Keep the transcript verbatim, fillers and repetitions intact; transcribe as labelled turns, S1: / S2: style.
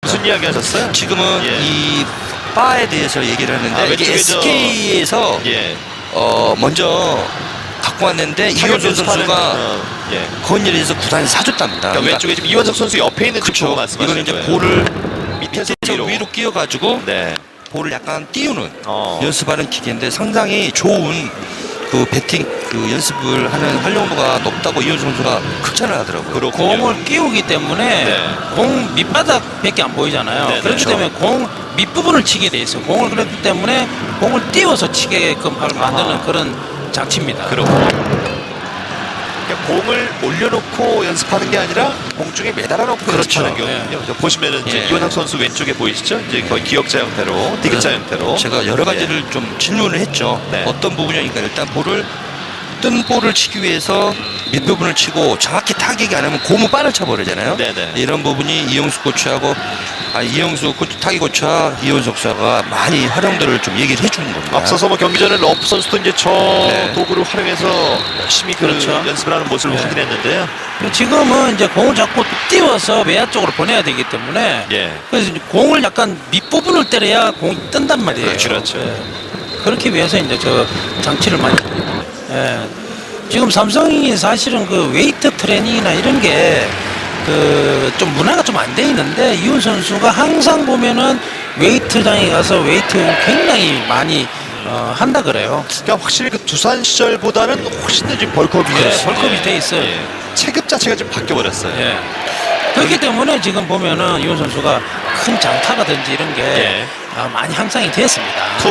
S1: 무슨 이야기 하셨어요?
S2: 지금은
S1: 예.
S2: 이 바에 대해서 얘기를 하는데
S1: 아,
S2: 이게
S1: 왼쪽에 저-
S2: 에스케이에서
S1: 예.
S2: 어 먼저 갖고 왔는데 이현수 선수가
S1: 어, 예.
S2: 건일에서 구단이 사줬답니다.
S1: 그러니까 왼쪽에 지금 이원석 선수 옆에 있는 쪽 보고
S2: 그렇죠.
S1: 말씀하시는
S2: 이거는 이제
S1: 거예요.
S2: 볼을
S1: 밑에서
S2: 밑에서
S1: 위로.
S2: 위로 끼워가지고
S1: 네.
S2: 볼을 약간 띄우는
S1: 어.
S2: 연습하는 기계인데 상당히 좋은 그 배팅 그 연습을 하는 활용도가 높다고 이현수 선수가 극찬을 하더라고요.
S1: 그렇군요.
S3: 공을 끼우기 때문에
S1: 네.
S3: 공 밑바닥밖에 안 보이잖아요.
S1: 네,
S3: 그렇기
S1: 그렇죠.
S3: 때문에 공 밑부분을 치게 돼 있어요. 공을 그렇기 때문에 공을 띄워서 치게끔 만드는
S1: 아하.
S3: 그런 장치입니다.
S1: 그렇군요. 그러니까 공을 올려놓고 연습하는 게 아니라 공중에 매달아 놓고
S2: 그렇죠.
S1: 연습하는 거거든요. 저 보시면은 이제
S2: 예.
S1: 이원석 선수 왼쪽에 보이시죠? 이제 거의 기역자 형태로, 디귿자 형태로.
S2: 제가 여러 가지를 좀 질문을 했죠.
S1: 네.
S2: 어떤 부분이니까 일단 볼을 뜬 볼을 치기 위해서 밑부분을 치고 정확히 타격이 안 하면 고무 바늘 쳐버리잖아요.
S1: 네네.
S2: 이런 부분이 이영수 코치하고 아, 이영수 코치, 타기 코치와 이현석 선수가 많이 활용도를 좀 얘기를 해주는 겁니다.
S1: 앞서서 뭐 경기 전에 러프 선수도 이제 저
S2: 네.
S1: 도구를 활용해서 열심히 그
S3: 그렇죠.
S1: 연습을 하는 모습을
S3: 네.
S1: 확인했는데요.
S3: 지금은 이제 공을 자꾸 띄워서 외야 쪽으로 보내야 되기 때문에
S1: 예.
S3: 그래서 이제 공을 약간 밑부분을 때려야 공이 뜬단 말이에요.
S1: 그렇죠, 그렇죠.
S3: 예. 그렇기 위해서 이제 저 장치를 많이 예. 지금 삼성이 사실은 그 웨이트 트레이닝이나 이런 게 그 좀 문화가 좀 안 돼 있는데 이훈 선수가 항상 보면은 웨이트장에 가서 웨이트 굉장히 많이 어, 한다 그래요.
S1: 그러니까 확실히 그 두산 시절보다는 훨씬 더 지금 벌크업이
S3: 예,
S1: 됐어요.
S3: 벌크업이 돼 있어요.
S1: 예. 체급 자체가 좀 바뀌어 버렸어요.
S3: 예. 그렇기 때문에 지금 보면은 이훈 선수가 큰 장타가든지 이런 게
S1: 예.
S3: 아, 많이 향상이 됐습니다.